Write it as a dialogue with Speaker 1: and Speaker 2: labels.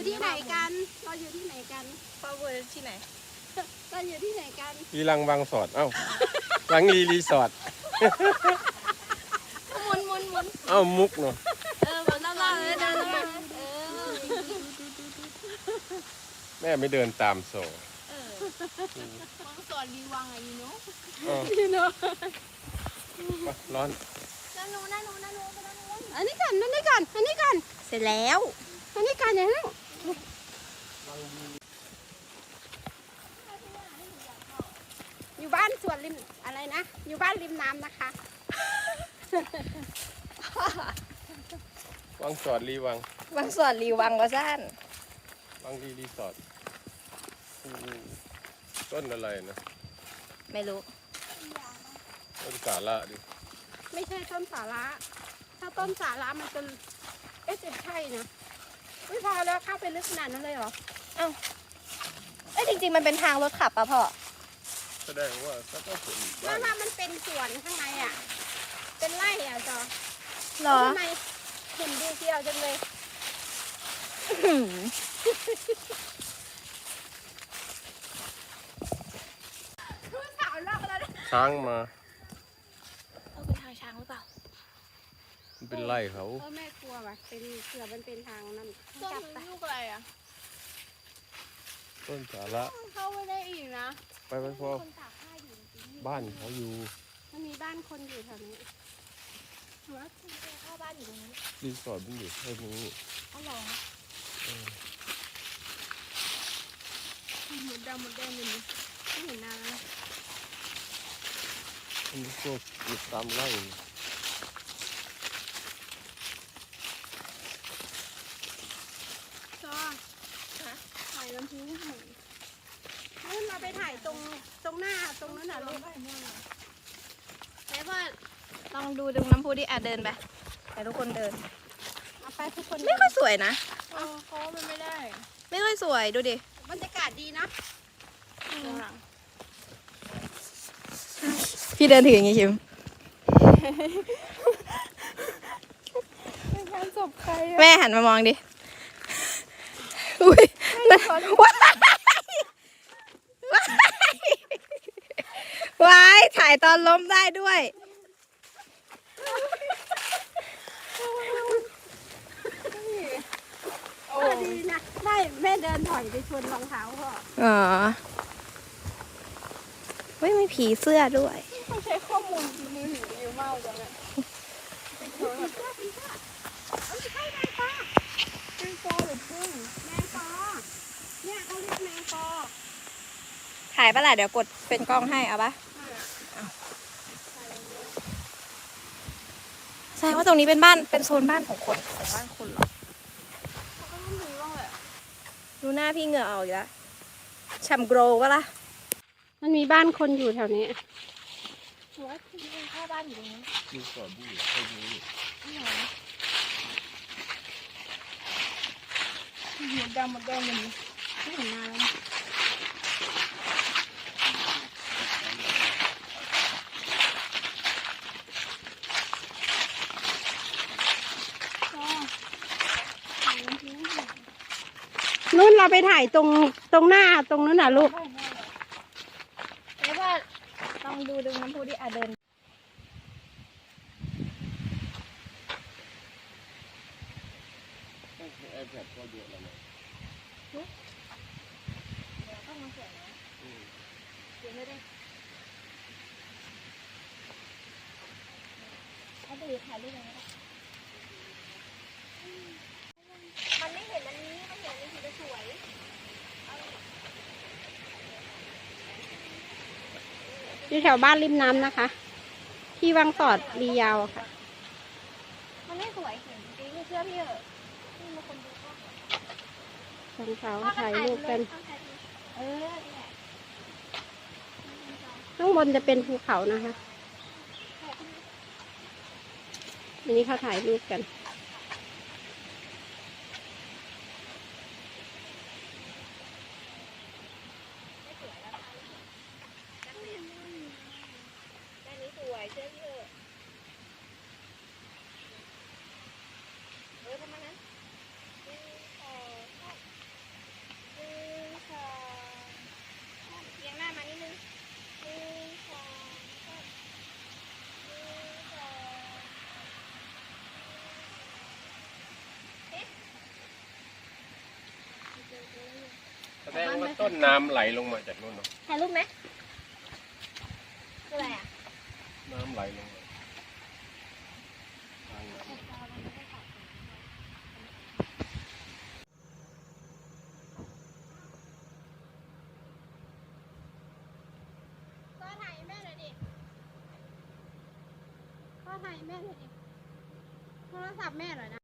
Speaker 1: ที่ไหนกันเราอยู่ที่ไหนกัน
Speaker 2: ป้าเวอร์ที่ไหน
Speaker 1: เราอยู่ที่ไหนกัน
Speaker 3: อีลังบางสอดเอ้าลังรีสอร์ท
Speaker 2: หมุน
Speaker 3: เอ้ามุกเนาะ
Speaker 2: แบบล่าๆเลยเดินมา
Speaker 3: แม่ไม่เดินตามโซ่
Speaker 2: บางส่วนรีวังอะยูโน่
Speaker 3: ร้อน
Speaker 2: นั่นนู
Speaker 1: อันนี้ก่อน
Speaker 2: เสร็จแล้ว
Speaker 1: อันนี้ก่อนอย่างนั้นอยู่บ้านสวนริมอะไรนะอยู่บ้านริมน้ำนะคะ
Speaker 3: วังสอดรีวัง
Speaker 2: บางส่วนรีวังก็สั้น
Speaker 3: วังรีสอร์ทต้นอะไรนะ
Speaker 2: ไม่รู้
Speaker 3: ต้นสาระดิ
Speaker 1: ไม่ใช่ต้นสาระถ้าต้นสาระมันจะจะใช่นะไม่พอแล้วเข้าไปลึกขนาดนั้นเลยเหรอ
Speaker 2: เอ้าจริงๆมันเป็นทางรถขับป่ะพ่อ
Speaker 3: แสดงว่าถ้าต้องเป็น
Speaker 1: ว่ามันเป็นสวนข้างในอ่ะเป็นไร่อ่ะจอ
Speaker 2: หรอ
Speaker 1: ทำไมเห็นดีเชียวจังเลย
Speaker 3: ช้างมา
Speaker 2: เป็นทางช้างหรือเปล่า
Speaker 3: มันเป็นไร่เขา
Speaker 1: แม่กลัวว่ะเป็นเสือมันเป็นทางนั่น
Speaker 2: ต้นลูกอะไรอ่ะ
Speaker 3: ต้นสาระ
Speaker 1: เข้าไม่ได้อีกนะ
Speaker 3: ไปพอบ้านเขาอยู่
Speaker 1: มันมีบ้านคนอยู่แถวนี้
Speaker 2: เข้าบ้านอยู่ตรงนี้
Speaker 3: รีสอร์ทมันอยู่แค่นี้
Speaker 2: อ๋อเหรอ
Speaker 1: หมดแดงเลยไม่เห็นนาน
Speaker 3: มันพวกอยู่ตามไร่
Speaker 1: จอถ่ายลำพูนหน่อยนู่นเราไปถ่ายตรงหน้าตรงนั้นน่ะลูก
Speaker 2: แล้วก็ลองดูน้ำพุดิเดินไปแต่ทุกคนเดิน
Speaker 1: เอาไปทุกคน
Speaker 2: ไม่ค่อยสวยนะ
Speaker 1: เขามันไม่ได้
Speaker 2: ไม่ค่อยสวยดูดิ
Speaker 1: บรรยากาศดีนะ
Speaker 2: พี่เดินถืออย่างงี้ชิม
Speaker 1: เป็นการศพใคร
Speaker 2: แม่หันมามองดิอุ้ยว้ายถ่ายตอนล้มได้ด้วย
Speaker 1: ดีนะได้แม่เดินถอยไปชนรองเท้าพ่อ
Speaker 2: ไม่มีผีเสื้อด้วย
Speaker 1: เขาใช้ข้อมูลมือถือเยอะมากเลยนะแมงปอหรือพึ่งแมงปอเนี่ยเขาเรียกแมงปอ
Speaker 2: ถ่ายปะล่ะเดี๋ยวกดเป็นกล้องให้เอาปะใช่ว่าตรงนี้เป็นบ้านเป็นโซนบ้านของคนของบ้านคนหรอดูหน้าพี่เหงื่อออกอยู่แล้วช่ำโกรวะล่ะ
Speaker 1: มันมีบ้านคนอยู่แถวนี้
Speaker 2: ว่าที่เข้าบ้านอยู่ตรงนี้
Speaker 3: รีสอร์ทอยู่แค่นี้
Speaker 1: หมดแดงเลยไม่เห็นนานแล้วนู่นเราไปถ่ายตรงหน้าตรงนั้นน่ะลูก
Speaker 2: แล้วว่าลองดูน้ำพุดิเดิน
Speaker 3: ไอแพดก็เยอะแล้วนะ
Speaker 2: ต้องมาเสียนะเสียไม่ได้เอาไปถ่ายรูปอะไรมันไม่เห็นอันนี้มันเห็นอันนี้สวย
Speaker 1: อยู่แถวบ้านริมน้ำนะคะที่วังสอดรียาวค่ะ
Speaker 2: มันไม่สวยเห็นจริงเชื่อพี่เหรอนี่มาคนดูก็
Speaker 1: ของเขาถ่ายรูปกันข้างบนจะเป็นภูเขานะคะอันนี้เขาถ่ายรูปกัน
Speaker 4: แสดงว่าต้นน้ำไหลลงมาจากนู่นเนาะ
Speaker 2: ถ่ายรูปไหมคืออะไรอ่ะ
Speaker 4: น้ำไหลลงมาทางน้ำ
Speaker 1: ก็ถ่ายแม่หน่อยดิก็ถ่ายแม่หน่อยดิโทรศัพท์แม่หน่อยนะ